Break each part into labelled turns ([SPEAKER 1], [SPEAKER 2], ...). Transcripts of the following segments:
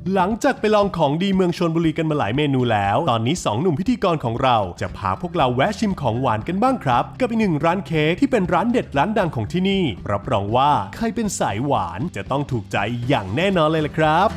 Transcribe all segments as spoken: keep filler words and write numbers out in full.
[SPEAKER 1] หลังจากไปลองของดีเมืองชลบุรีกันมาหลายเมนูแล้วตอนนี้สองหนุ่มพิธีกรของเราจะพาพวกเราแวะชิมของหวานกันบ้างครับกับอีกหนึ่งร้านเค้กที่เป็นร้านเด็ดร้านดังของที่นี่รับรองว่าใครเป็นสายหวานจะต้องถูกใจอย่างแน่นอนเลยล่ะครับ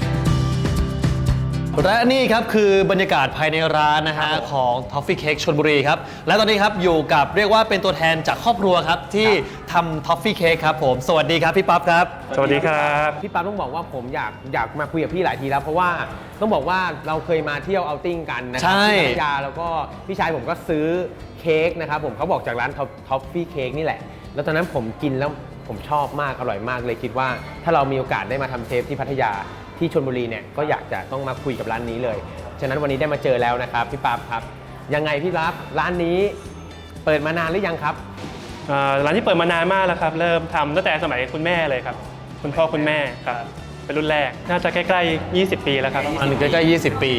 [SPEAKER 2] และนี่ครับคือบรรยากาศภายในร้านนะฮะของ Toffee Cake ชลบุรีครับและตอนนี้ครับอยู่กับเรียกว่าเป็นตัวแทนจากครอบครัวครับที่ทำ Toffee Cake ครับผมสวัสดีครับพี่ปั๊บครับ
[SPEAKER 3] สวัสดีครับ
[SPEAKER 4] พี่ปั๊บต้องบอกว่าผมอยากอยากมาคุยกับพี่หลายทีแล้วเพราะว่าต้องบอกว่าเราเคยมาเที่ยวเอาติ้งกันนะครับที่พัทยาแล้วก็พี่ชายผมก็ซื้อเค้กนะครับผมเขาบอกจากร้าน Toffee Cake นี่แหละแล้วตอนนั้นผมกินแล้วผมชอบมากอร่อยมากเลยคิดว่าถ้าเรามีโอกาสได้มาทำเทปที่พัทยาที่ชลบุรีเนี่ยก็อยากจะต้องมาคุยกับร้านนี้เลยฉะนั้นวันนี้ได้มาเจอแล้วนะครับพี่ปั๊บครับยังไงพี่ปั๊บร้านนี้เปิดมานานหรือยังครับ
[SPEAKER 3] ร้านที่เปิดมานานมากแล้วครับเริ่มทำตั้งแต่สมัยคุณแม่เลยครับคุณพ่อคุณแม่ครับเป็นรุ่นแรกน่าจะใกล้ๆยี่สิบปีแล้วครับ
[SPEAKER 2] อันนี้ใกล้ๆยี่สิบปี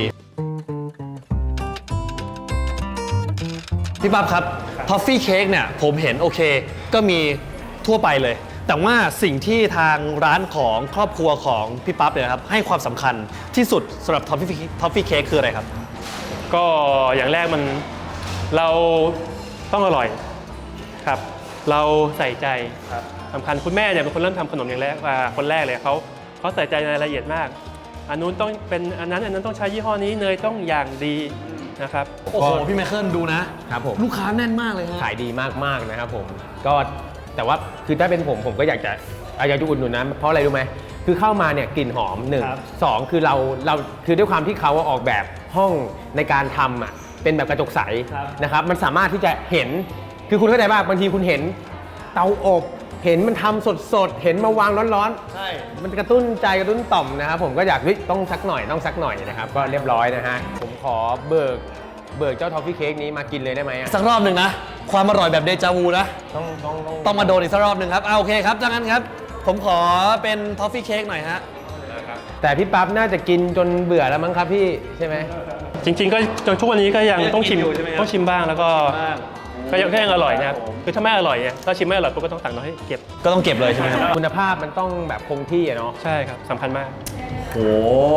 [SPEAKER 2] พี่ปั๊บครับ Toffee Cake เนี่ยผมเห็นโอเคก็มีทั่วไปเลยแต่ว่าสิ่งที่ทางร้านของครอบครัวของพี่ปั๊บเนี่ยครับให้ความสำคัญที่สุดสำหรับ Toffee Toffee Cake คืออะไรครับ
[SPEAKER 3] ก็อย่างแรกมันเราต้องอร่อยครับเราใส่ใจครับสำคัญคุณแม่เนี่ยเป็นคนเริ่มทำขนมอย่างแรกคนแรกเลยเขาเขาใส่ใจในรายละเอียดมากอันนู้นต้องเป็นอันนั้นอันนั้นต้องใช้ยี่ห้อนี้เนยต้องอย่างดีนะครับ
[SPEAKER 2] โอ้โหพี่ไมเคิลดูนะครับผมลูกค้าแน่นมากเลยฮะ
[SPEAKER 4] ขายดีมากๆนะครับผมก็แต่ว่าคือถ้าเป็นผมผมก็อยากจะอยากจะอุดหนุนนะเพราะอะไรรู้ไหมคือเข้ามาเนี่ยกลิ่นหอมหนึ่งสองคือเราเราคือด้วยความที่เขาออกแบบห้องในการทำอ่ะเป็นแบบกระจกใสนะครับมันสามารถที่จะเห็นคือคุณเข้าใจป่ะบางทีคุณเห็นเตาอบเห็นมันทำสดๆเห็นมาวางร้อน
[SPEAKER 2] ๆใช่
[SPEAKER 4] มันกระตุ้นใจกระตุ้นต่อมนะครับผมก็อยากต้องสักหน่อยต้องสักหน่อยนะครับก็เรียบร้อยนะฮะผมขอเบิกเบิกเจ้าทอฟฟี่เค้กนี้มากินเลยได้ไหม
[SPEAKER 2] สักรอบหนึ่งนะความอร่อยแบบเดจาวูนะ
[SPEAKER 4] ต้องต้อง
[SPEAKER 2] ต้องมาโดนอีกสักรอบหนึ่งครับเอาโอเคครับดังนั้นครับผมขอเป็นทอฟฟี่เค้กหน่อยฮะ
[SPEAKER 4] แต่พี่ปั๊บน่าจะกินจนเบื่อแล้วมั้งครับพี่ใช่ไหม
[SPEAKER 3] จริงๆก็จนทุกวันนี้ก็ยังต้องชิมต้องชิมบ้างแล้วก็ก็ยังแค่ยังอร่อยนะครับคือถ้าไม่อร่อยเนี่ยถ้าชิมไม่อร่อยปุ๊บก็ต้องสั่งน้อยให้เก็บ
[SPEAKER 2] ก็ต้องเก็บเลยใช่ไหมครับ
[SPEAKER 4] คุณภาพมันต้องแบบคงที่อะเนาะ
[SPEAKER 3] ใช่ครับสำคัญมาก
[SPEAKER 2] โอ้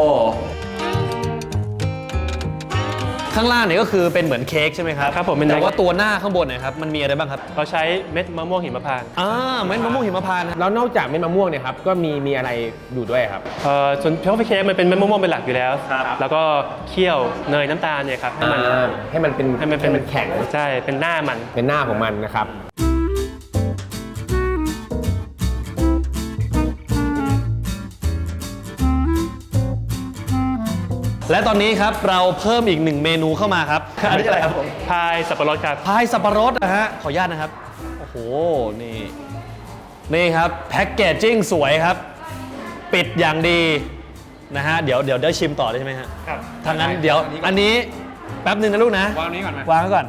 [SPEAKER 2] ข้างล่างเนี่ยก็คือเป็นเหมือนเค้กใช่ไหมครับ
[SPEAKER 3] ครับผม
[SPEAKER 2] แต่ว่าตัวหน้าข้างบนเนี่ยครับมันมีอะไรบ้างครับ
[SPEAKER 3] เราใช้เม็ดมะม่วงหิมพานต์
[SPEAKER 2] อ่าเม็ดมะม่วงหิมพานต์
[SPEAKER 4] แล้วนอกจากเม็ดมะม่วงเนี่ยครับก็มีมีอะไรอยู่ด้วยครับ
[SPEAKER 3] เอ่อส่วนทอฟฟี่เค้กมันเป็นเม็ดมะม่วงเป็นหลักอยู่แล้วแล้วก็เคี่ยวเนยน้ำตาลเนี่ยครับให้มัน
[SPEAKER 4] ให้มันเป็น
[SPEAKER 3] ให้มันเป็น
[SPEAKER 4] แข็ง
[SPEAKER 3] ใช่เป็นหน้ามัน
[SPEAKER 4] เป็นหน้าของมันนะครับ
[SPEAKER 2] และตอนนี้ครับเราเพิ่มอีกหนึ่งเมนูเข้ามาครับ
[SPEAKER 3] อันนี้อะไรครับผมพายสับปะรดครับ
[SPEAKER 2] พายสับปะรดนะฮะขออนุญาตนะครับโอ้โหนี่นี่ครับแพ็กเกจจิ้งสวยครับปิดอย่างดีนะฮะเดี๋ยวเดี๋ยวได้ชิมต่อได้ใช่ไหมฮะ
[SPEAKER 3] ครับ
[SPEAKER 2] ทางนั้นเดี๋ยวอันนี้แป๊บนึงนะลูกนะ
[SPEAKER 3] วางนี้ก่อน
[SPEAKER 2] วางไว้ก่อน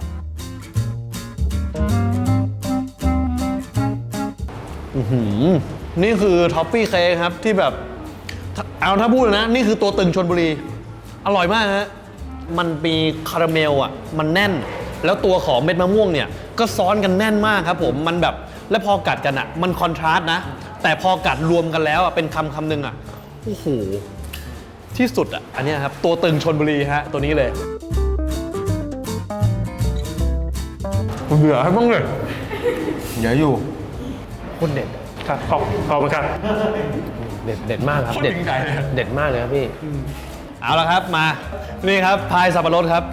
[SPEAKER 2] อือหือนี่คือท็อฟฟี่เค้กครับที่แบบเอาถ้าพูดนะนี่คือตัวตึงชลบุรีอร่อยมากฮะมันมีคาราเมลอ่ะมันแน่นแล้วตัวของเม็ดมะม่วงเนี่ยก็ซ้อนกันแน่นมากครับผมมันแบบแล้วพอกัดกันอ่ะมันคอนทราสต์นะแต่พอกัดรวมกันแล้วอ่ะเป็นคำคำหนึ่งอ่ะโอ้โหที่สุดอ่ะอันนี้ครับตัวตึงชลบุรีฮะตัวนี้เลย
[SPEAKER 4] เบื่อให้บ้างเลยอย่าอยู่คนเด็ด
[SPEAKER 3] ครับขอบขอบคุณครับ
[SPEAKER 4] เด็ดเด็ดมากครับเด็ดเด็ดมากเลยครับพี่
[SPEAKER 2] เอาละครับมานี่ครับพายสับปะรดครับ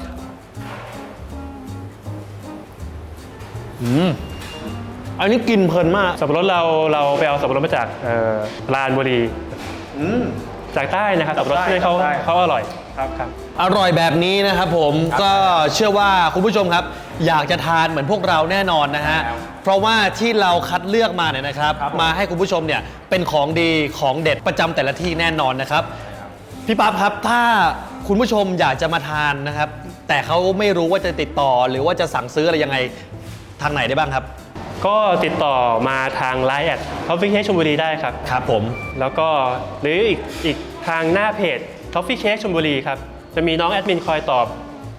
[SPEAKER 2] อืมอันนี้กินเพลินมาก
[SPEAKER 3] สับปะรดเราเราไปเอาสับปะรดมาจากลานบุรีจากใต้นะครับสับปะรดที่เขาเขาอร่อยครับครับ
[SPEAKER 2] อร่อยแบบนี้นะครับผมก็เชื่อว่าคุณผู้ชมครับอยากจะทานเหมือนพวกเราแน่นอนนะฮะเพราะว่าที่เราคัดเลือกมาเนี่ยนะครับมาให้คุณผู้ชมเนี่ยเป็นของดีของเด็ดประจำแต่ละที่แน่นอนนะครับพี่ปั๊บครับถ้าคุณผู้ชมอยากจะมาทานนะครับแต่เขาไม่รู้ว่าจะติดต่อหรือว่าจะสั่งซื้ออะไรยังไงทางไหนได้บ้างครับ
[SPEAKER 3] ก็ติดต่อมาทาง ไลน์ แอท Toffee Cake ชลบุรีได้ครับ
[SPEAKER 2] ครับผม
[SPEAKER 3] แล้วก็หรืออีกอีกทางหน้าเพจ Toffee Cake ชลบุรีครับจะมีน้องแอดมินคอยตอบ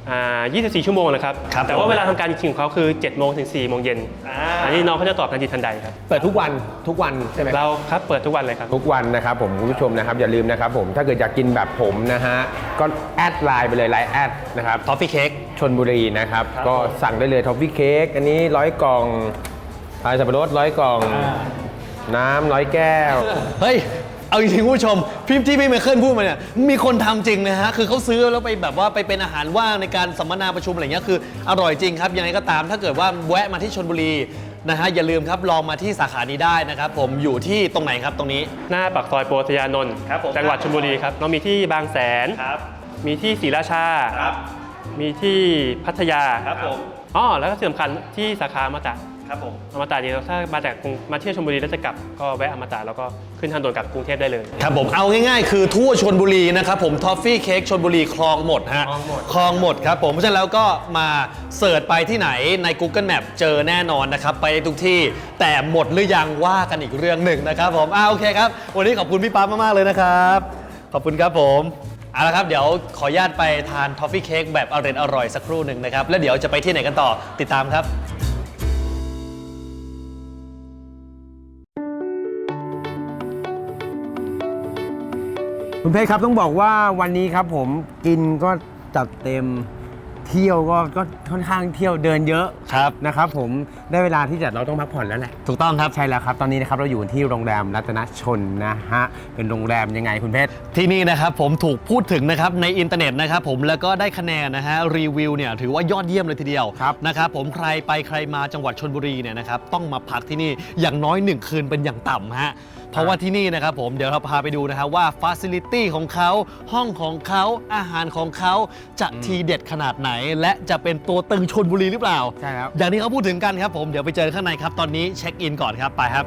[SPEAKER 3] อ่ายี่สิบสี่ ชั่วโมงนะครับ
[SPEAKER 2] ครับ
[SPEAKER 3] แต่ว่าเวลาทำการจริงๆของเขาคือเจ็ดโมงถึงสี่โมงเย็นอันนี้น้องเขาจะตอบทันทีทันใดครับ
[SPEAKER 4] เปิดทุกวันทุกวันใช่ไหม
[SPEAKER 3] เราครับเปิดทุกวันเลยครับ
[SPEAKER 4] ทุกวันนะครับผมคุณผู้ชมนะครับอย่าลืมนะครับผมถ้าเกิดอยากกินแบบผมนะฮะก็แอดไลน์ไปเลยไลน์แอดนะครับ
[SPEAKER 2] ทอฟฟี่เค้ก
[SPEAKER 4] ชลบุรีนะครับก็สั่งได้เลยทอฟฟี่เค้กอันนี้ร้อยกล่องพายสับปะรดร้อยกล่อง น้ำร้อยแก้ว
[SPEAKER 2] เฮ้ย เอาจริงๆคุณผู้ชมพี่ที่พี่ไมเคิลพูดมาเนี่ยมีคนทำจริงนะฮะคือเขาซื้อแล้วไปแบบว่าไปเป็นอาหารว่างในการสัมมนาประชุมอะไรเงี้ยคืออร่อยจริงครับยังไงก็ตามถ้าเกิดว่าแวะมาที่ชลบุรีนะฮะอย่าลืมครับลองมาที่สาขานี้ได้นะครับผมอยู่ที่ตรงไหนครับตรงนี้
[SPEAKER 3] หน้าปากซอยโปรตยานนท์
[SPEAKER 2] ครับผม
[SPEAKER 3] จังหวัดชลบุรีครับเรามีที่บางแสน
[SPEAKER 2] ครับ
[SPEAKER 3] มีที่ศรีราชา
[SPEAKER 2] ครับ
[SPEAKER 3] มีที่พัทยา
[SPEAKER 2] ครับผม
[SPEAKER 3] อ๋อแล้วก็ที่สำคัญที่สาขาอมตะ
[SPEAKER 2] ครับผม
[SPEAKER 3] อมตะเนี่ยถ้ามาจากกรุงมาเที่ยวชลบุรีแล้วจะกลับก็แวะอมตะแล้วก็ขึ้นทางด่วนกลับกรุงเทพได้เลย
[SPEAKER 2] ครับผมเอาง่ายๆ คือทั่วชลบุรีนะครับผมทอฟฟี่เค้กชลบุรีคลองหมดฮะ
[SPEAKER 3] คลองหมด
[SPEAKER 2] คลองหมดครับผมเพราะฉะนั้นแล้วก็มาเสิร์ชไปที่ไหนใน Google Map เจอแน่นอนนะครับไปทุกที่แต่หมดหรือยังว่ากันอีกเรื่องหนึ่งนะครับผมอ่าโอเคครับวันนี้ขอบคุณพี่ป๊าบมากๆเลยนะครับขอบคุณครับผมเอาละครับเดี๋ยวขออนุญาตไปทานทอฟฟี่เค้กแบบอร่อยอร่อยๆสักครู่หนึ่งนะครับแล้วเดี๋ยวจะไปที่ไหนกันต่อติดตามครับ
[SPEAKER 4] คุณเพชรครับต้องบอกว่าวันนี้ครับผมกินก็จัดเต็มเที่ยวก็ก็ค่อนข้างเที่ยวเดินเยอะ
[SPEAKER 2] ครับ
[SPEAKER 4] นะครับผมได้เวลาที่จะเราต้องพักผ่อนแล้วแหละ
[SPEAKER 2] ถูกต้องครับ
[SPEAKER 4] ใช่แล้วครับตอนนี้นะครับเราอยู่ที่โรงแรมรัตนชนนะฮะเป็นโรงแรมยังไงคุณเพชร
[SPEAKER 2] ที่นี่นะครับผมถูกพูดถึงนะครับในอินเทอร์เน็ตนะครับผมแล้วก็ได้คะแนนนะฮะรีวิวเนี่ยถือว่ายอดเยี่ยมเลยทีเดียว
[SPEAKER 4] ครับ
[SPEAKER 2] นะครับผมใครไปใครมาจังหวัดชลบุรีเนี่ยนะครับต้องมาพักที่นี่อย่างน้อยหนึ่งคืนเป็นอย่างต่ำฮะเพราะว่าที่นี่นะครับผมเดี๋ยวเราพาไปดูนะครับว่าฟ a ซิลิตี้ของเขาห้องของเขาอาหารของเขาจะทีเด็ดขนาดไหน และจะเป็นตัวตึงชลบุรีหรือเปล่า
[SPEAKER 4] ใช่แล้ว
[SPEAKER 2] อย่างที่เขาพูดถึงกันครับผมเดี๋ยวไปเจอข้างในครับตอนนี้เช็คอินก่อนครับไปครับ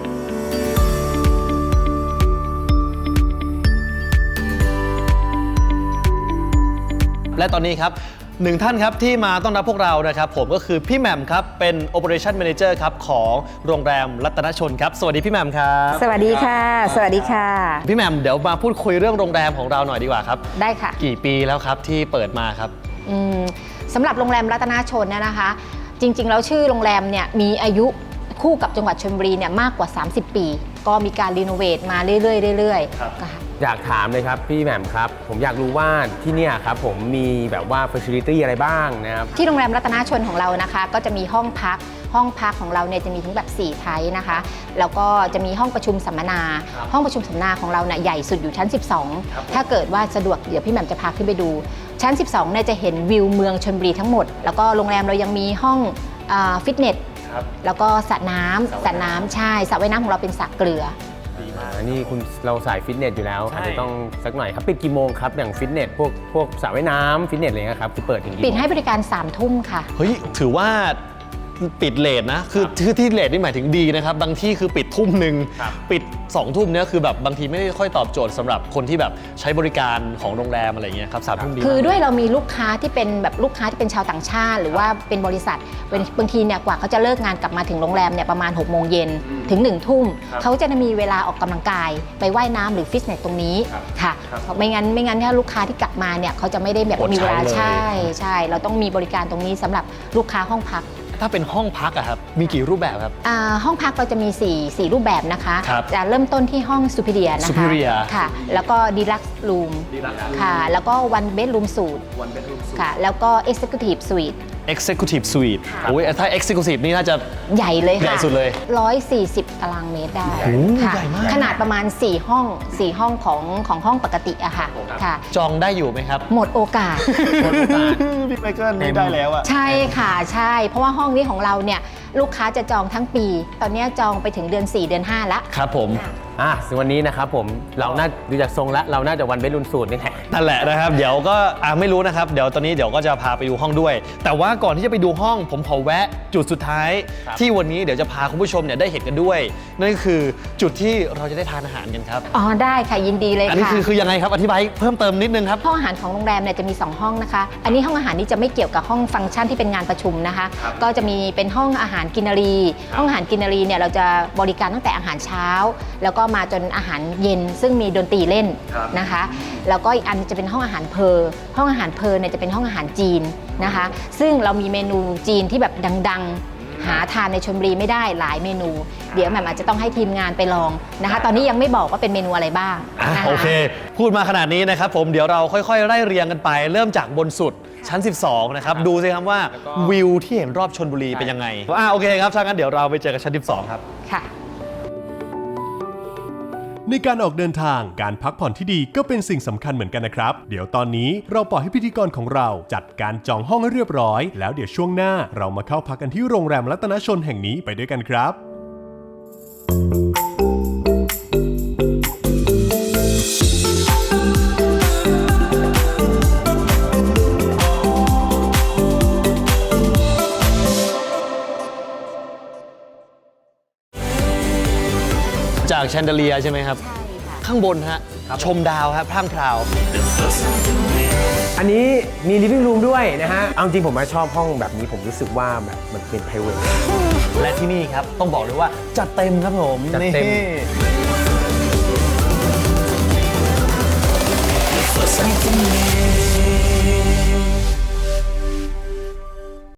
[SPEAKER 2] และตอนนี้ครับหนึ่งท่านครับที่มาต้อนรับพวกเรานะครับผมก็คือพี่แหม่มครับเป็น Operation Manager ครับของโรงแรมรัตนชนครับสวัสดีพี่แหม่มครับ
[SPEAKER 5] สวัสดีค่ะ สวัสดีค่ะ
[SPEAKER 2] พี่แหม่มเดี๋ยวมาพูดคุยเรื่องโรงแรมของเราหน่อยดีกว่าครับ
[SPEAKER 5] ได้ค่ะ
[SPEAKER 2] กี่ปีแล้วครับที่เปิดมาครับ
[SPEAKER 5] อืมสำหรับโรงแรมรัตนาชนเนี่ยนะคะ จริงๆแล้วชื่อโรงแรมเนี่ยมีอายุคู่กับจังหวัดชลบุรีเนี่ยมากกว่า สามสิบ ปี ก็มีการรีโนเวทมาเรื่อยๆเรื่อย
[SPEAKER 2] ครับ
[SPEAKER 5] ๆค่ะ
[SPEAKER 4] อยากถามเลยครับพี่แหม่มครับผมอยากรู้ว่าที่เนี่ยครับผมมีแบบว่า facility อะไรบ้างนะครับ
[SPEAKER 5] ที่โรงแรมรัตนาชนของเรานะคะ ก็จะมีห้องพักห้องพักของเราเนี่ยจะมีถึงแบบสี่ไทป์นะคะแล้วก็จะมีห้องประชุมสัมมนา ห้องประชุมสัมมนาของเราเนี่ยใหญ่สุดอยู่ชั้น สิบสอง ถ้าเกิดว่าสะดวกเดี๋ยวพี่แหม่มจะพาขึ้นไปดู ชั้น สิบสองเนี่ยจะเห็นวิวเมืองชลบุรีทั้งหมด แล้วก็โรงแรมเรายังมีห้องฟิตเนสแล้วก็สระน้ำสระน้ำใช่สระว่ายน้ำของเราเป็นสระเกลือ
[SPEAKER 4] อันนี้คุณเราสายฟิตเนสอยู่แล้ว
[SPEAKER 2] ใช่
[SPEAKER 4] อาจจะต้องสักหน่อยครับปิดกี่โมงครับอย่างฟิตเนสพวกพวกสระว่ายน้ำฟิตเนสอะไรเงี้ยครับคือเปิดถึงกี่โมง
[SPEAKER 5] ปิดให้บริการสามทุ่มค่ะ
[SPEAKER 2] เฮ้ยถือว่าปิดเลทนะคือคือที่เลทนี่หมายถึงดีนะครับบางที่คือปิดทุ่มหนึ่ง
[SPEAKER 4] ครับ
[SPEAKER 2] ปิดสองทุ่มเนี่ยคือแบบบางทีไม่ได้ค่อยตอบโจทย์สำหรับคนที่แบบใช้บริการของโรงแรมอะไรเงี้ยครับสามทุ่มดี
[SPEAKER 5] คือ
[SPEAKER 2] มาก
[SPEAKER 5] ด้วยเรามีลูกค้าที่เป็นแบบลูกค้าที่เป็นชาวต่างชาติ หรือว่าเป็นบริษัทเป็นบางทีเนี่ยกว่าเขาจะเลิกงานกลับมาถึงโรงแรมเนี่ยประมาณหกโมงเย็นถึงหนึ่งทุ่มเขาจะมีเวลาออกกำลังกายไปว่ายน้ำหรือฟิตเนสตรงนี้ค่ะไม่งั้นไม่งั้นถ้าลูกค้าที่กลับมาเนี่ยเขาจะไม่ได้แบบ
[SPEAKER 2] อด
[SPEAKER 5] มีเวลา
[SPEAKER 2] ใช้เลย
[SPEAKER 5] ใช่ใช่เราต้องมีบริการตรงนี้สำหรับลูกค้าห้องพัก
[SPEAKER 2] ถ้าเป็นห้องพักอะครับมีกี่รูปแบบครับ
[SPEAKER 5] อ่าห้องพักเราจะมีสี่ สี่รูปแบบนะคะ
[SPEAKER 2] ครับ
[SPEAKER 5] จะเริ่มต้นที่ห้อง Superior นะคะ
[SPEAKER 2] Superior
[SPEAKER 5] ค่ะแล้วก็ Deluxe Room ค่ะแล้วก็ One Bedroom Suite ค่ะแล้วก็ Executive Suite
[SPEAKER 2] Executive Suite โอ้ยถ้า Executive นี่น่าจะ
[SPEAKER 5] ใหญ่เลยค่ะ
[SPEAKER 2] ใหญ่สุดเลย
[SPEAKER 5] หนึ่งร้อยสี่สิบตารางเมตรได้
[SPEAKER 2] โอ้โห
[SPEAKER 5] ค่ะ
[SPEAKER 2] ใหญ่มาก
[SPEAKER 5] ขนาดประมาณ สี่ ห้อง สี่ ห้องของของห้องปกติอะค่ะค่ะ
[SPEAKER 2] จองได้อยู่ไหมครับ
[SPEAKER 5] หมดโอกาส
[SPEAKER 2] พี่ไมเคิลไม่ได้แล้วอะ
[SPEAKER 5] ใช่ค่ะใช่ เพราะว่าห้องนี้ของเราเนี่ยลูกค้าจะจองทั้งปี ตอนนี้จองไปถึงเดือน สี่ เดือน ห้าละ
[SPEAKER 2] ครับผม
[SPEAKER 4] อ่ะซึ่งวันนี้นะครับผมเราน่าดูจากทรงแล้วเราน่าจะวันเบดรุนสูตรนี่แหละ
[SPEAKER 2] นั่นแหละนะครับ เดี๋ยวก็อ่าไม่รู้นะครับ เดี๋ยวตอนนี้เดี๋ยวก็จะพาไปดูห้องด้วย แต่ว่าก่อนที่จะไปดูห้องผมขอแวะจุดสุดท้าย
[SPEAKER 4] ครับ
[SPEAKER 2] ที่วันนี้เดี๋ยวจะพาคุณผู้ชมเนี่ยได้เห็นกันด้วย นั่นก็คือจุดที่เราจะได้ทานอาหารกันครับ
[SPEAKER 5] อ๋อได้ค่ะยินดีเลย
[SPEAKER 2] อันนี้
[SPEAKER 5] ค่ะ
[SPEAKER 2] คือคือยังไงครับอธิบายเพิ่มเติมนิดนึงครับ
[SPEAKER 5] ห้องอาหารของโรงแรมเนี่ยจะมี สอง ห้องนะคะ อันนี้ห้องอาหารนี้จะไม่เกี่ยวกับห้องฟังก์ชันที่เป็นงานประชุมนะคะ ก็จะมีเป็นห้องอาหารกินนารี ห้องอาหารกินนารีเนี่ยเราจะบริการตั้งแต่อาหารเช้า แล้วก็ก็มาจนอาหารเย็นซึ่งมีดนตรีเล่นนะคะ แล้วก็อีกอันจะเป็นห้องอาหารเพอห้องอาหารเพอเนี่ยจะเป็นห้องอาหารจีนนะคะ ซึ่งเรามีเมนูจีนที่แบบดังๆ หาทานในชลบุรีไม่ได้หลายเมนู เดี๋ยวแหม่มอาจจะต้องให้ทีมงานไปลองนะคะ ตอนนี้ยังไม่บอกว่าเป็นเมนูอะไรบ้าง
[SPEAKER 2] อ่ะ
[SPEAKER 5] นะคะ
[SPEAKER 2] โอเค พูดมาขนาดนี้นะครับผมเดี๋ยวเราค่อยๆ ไล่เรียงกันไป เริ่มจากบนสุดชั้น สิบสอง นะครับ ดูสิครับว่าวิวที่เห็นรอบชลบุรีเป็นยังไงอ่ะโอเคครับถ้างั้นเดี๋ยวเราไปเจอกันชั้น สิบสอง ครับ
[SPEAKER 5] ค่ะ
[SPEAKER 1] ในการออกเดินทางการพักผ่อนที่ดีก็เป็นสิ่งสำคัญเหมือนกันนะครับ เดี๋ยวตอนนี้เราปล่อยให้พิธีกรของเราจัดการจองห้องให้เรียบร้อย แล้วเดี๋ยวช่วงหน้าเรามาเข้าพักกันที่โรงแรมรัตนชนแห่งนี้ไปด้วยกันครับ
[SPEAKER 2] จากแชนเดเลียใช่ไหมครับ
[SPEAKER 5] ใช่ค่ะ
[SPEAKER 2] ข้างบนฮะชมดาวครับพร่างพราว
[SPEAKER 4] อันนี้มี living room ด้วยนะฮะ เอาจริงผมมาชอบห้องแบบนี้ผมรู้สึกว่าแบบมันเป็น private
[SPEAKER 2] และที่นี่ครับต้องบอกเลยว่าจัดเต็มครับผม
[SPEAKER 4] จัดเต็ม
[SPEAKER 2] นี่